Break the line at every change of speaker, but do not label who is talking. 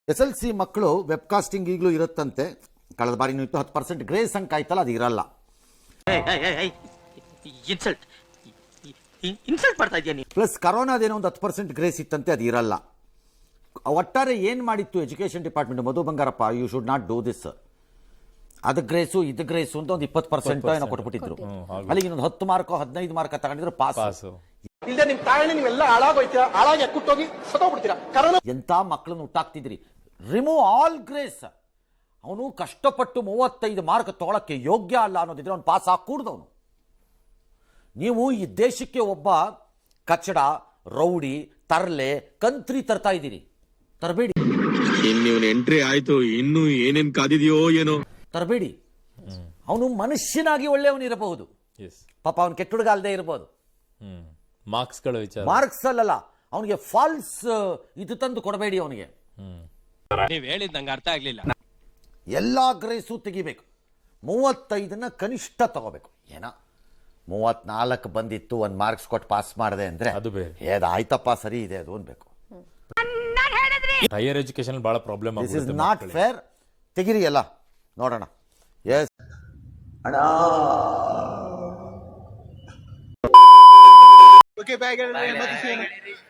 SLC ಮಕ್ಕಳು webcasting ಈಗಲೂ ಇರುತ್ತಂತೆ. ಕಳೆದ ಬಾರಿ ಇತ್ತು 10% ಗ್ರೇಸ್ ಅಂಕ ಆಯ್ತಲ್ಲ, ಅದು ಇರಲ್ಲ.
ಇನ್ಸಲ್ಟ್ ಮಾಡ್ತಾ ಇದೀಯ ನೀನು.
ಪ್ಲಸ್ ಕರೋನಾದೇನೋ ಒಂದು 10% ಗ್ರೇಸ್ ಇತ್ತಂತೆ, ಅದು ಇರಲ್ಲ. ಒಟ್ಟಾರೆ ಏನು ಮಾಡಿತ್ತು education department, Madhu Bangarappa, you should not do this, ಅದು ಗ್ರೇಸು ಇದು ಗ್ರೇಸು ಅಂತ ಒಂದು 20% ಏನೋ ಕೊಟ್ಬಿಟ್ಟಿದ್ರು. ಅಲ್ಲಿಗೆ ಇನ್ನೊಂದು 10 ಮಾರ್ಕೋ 15 ಮಾರ್ಕ ತಗೊಂಡಿದ್ರು ಪಾಸ್.
ಇಲ್ಲದೆ ನಿಮ್ ತಾಯಣ್ಣ ನೀವೆಲ್ಲ ಹಾಳಾಗೋಯ್ತೀರಾ, ಹಾಳಾಗಿ ಅಕ್ಕುಟ್ಟೋಗಿ ಸತ್ತೋಗ್ಬಿಡ್ತೀರಾ.
ಎಂತ ಮಕ್ಕಳನ್ನು ಹುಟ್ಟಾಕ್ತಿದ್ರಿ. Remove all grace. ಅವನು ಕಷ್ಟಪಟ್ಟು 35 ಮಾರ್ಕ್ ತಗೊಳಕ್ಕೆ ಯೋಗ್ಯ ಅಲ್ಲ ಅನ್ನೋದಿದ್ರೆ ಅವ್ನು ಪಾಸ್ ಹಾಕೂಡ್ದವನು. ನೀವು ಈ ದೇಶಕ್ಕೆ ಒಬ್ಬ ಕಚ್ಚಡ, ರೌಡಿ, ತರ್ಲೆ, ಕಂತ್ರಿ ತರ್ತಾ ಇದ್ದೀರಿ. ತರಬೇಡಿ.
ಎಂಟ್ರಿ ಆಯ್ತು, ಇನ್ನು ಏನೇನ್ ಕಾದಿದೆಯೋ ಏನೋ.
ತರಬೇಡಿ. ಅವನು ಮನುಷ್ಯನಾಗಿ ಒಳ್ಳೆಯವನಿರಬಹುದು, ಪಾಪ ಅವನು ಕೆಟ್ಟ ಹುಡುಗ ಅಲ್ಲದೆ ಇರಬಹುದು. ಮಾರ್ಕ್ಸ್ ಅಲ್ಲಲ್ಲ, ಅವನಿಗೆ ಫಾಲ್ಸ್ ಇದು ತಂದು ಕೊಡಬೇಡಿ. ಅವನಿಗೆ
ನೀವ್ ಹೇಳಿದ್ ನಂಗೆ ಅರ್ಥ ಆಗ್ಲಿಲ್ಲ.
ಎಲ್ಲಾ ಗ್ರೇಸು ತೆಗಿಬೇಕು. 35ನ ಕನಿಷ್ಠ ತಗೋಬೇಕು. ಏನ 34 ಬಂದಿತ್ತು, 1 ಮಾರ್ಕ್ಸ್ ಕೊಟ್ಟು ಪಾಸ್ ಮಾಡಿದೆ ಅಂದ್ರೆ ಆಯ್ತಪ್ಪ ಸರಿ ಇದೆ ಅದು ಅನ್ಬೇಕು.
ಹೈಯರ್ ಎಜುಕೇಶನ್ ಬಹಳ problem.
This is not fair. ತೆಗಿರಿ ಎಲ್ಲ ನೋಡೋಣ. ಎಸ್ ಅಣ್ಣ.
ಓಕೆ, ಬಾಯ್.